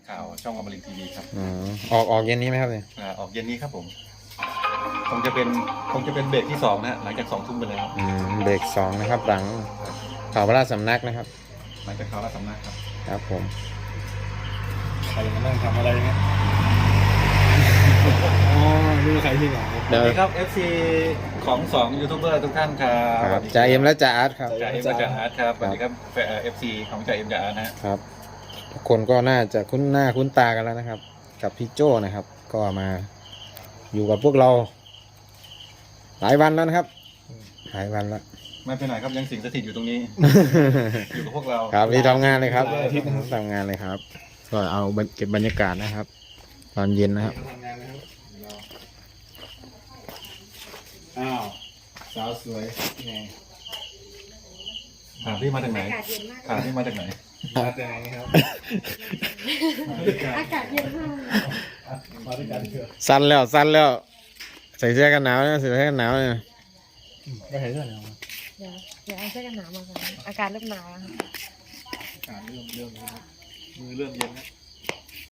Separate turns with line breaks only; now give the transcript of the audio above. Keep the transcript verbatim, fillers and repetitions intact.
ข่าวช่องอมรินทร์ทีวีครับ
อ๋อออกออกเย็นนี้ไหมครับเนี่ย
อ่าออกเย็นนี้ครับผมคงจะเป็นคงจะเป็นเบรกที่สองนะฮะหลังจากสองทุ่มไปแล้ว
อืมเบรกสองนะครับ หลังข่าวพระราชสำนักนะครับ
หลังจากข่าวราชสำนักครับ
ครับผม
ใครมานั่งทำอะไรเนี่ยอ๋อดูใครที่ไหน
สวัสดีครับ เอฟ ซี ของสองยูทูบเบอร์ทุกท่านครับ
ครับจ่าเอ็มและจ่าอาร์ตครับ
จ่าเอ็มและจ่าอาร์ตครับสวัสดีครับเอฟซีของจ่าเอ็มจ่าอาร์ตนะฮะ
ครับทุกคนก็น่าจะคุ้นหน้าคุ้นตากันแล้วนะครับ กับพี่โจ้นะครับ ก็มาอยู่กับพวกเรา หลายวันแล้วนะครับหลายวันแล้ว
ไม่ไปไหนครับยังสิงสถิตอยู่ตรงนี้ อยู่กับพวกเรา
ครับที่ทำงานเลยครับทำงานเลยครับ ก็เอาเก็บบรรยากาศนะครับ ตอนเย็นนะครับ
ทำงานนะครับอ้าวสาวสวยไง
ถามที่มาจากไหน
อากาศเย็นมาก
ถามที่มาจากไหน
มาแต่ไหนครับ
อากาศเย็นมาก
มาด้วยกันเถอะ
สั้นแล้วสั้นแล้วใส่เสื้อกันหนาวนะใส่เสื้อกันหนาวเนี่ย
ก็เห็นเรื่องอะไรมา
เดี๋ยวเดี๋ยวเอาเสื้อกันหนาวมาก่อนอากาศเริ่มหนาวแล้วครับ
อ่านเรื่องเรื่องมือเรื่องเย็นนะ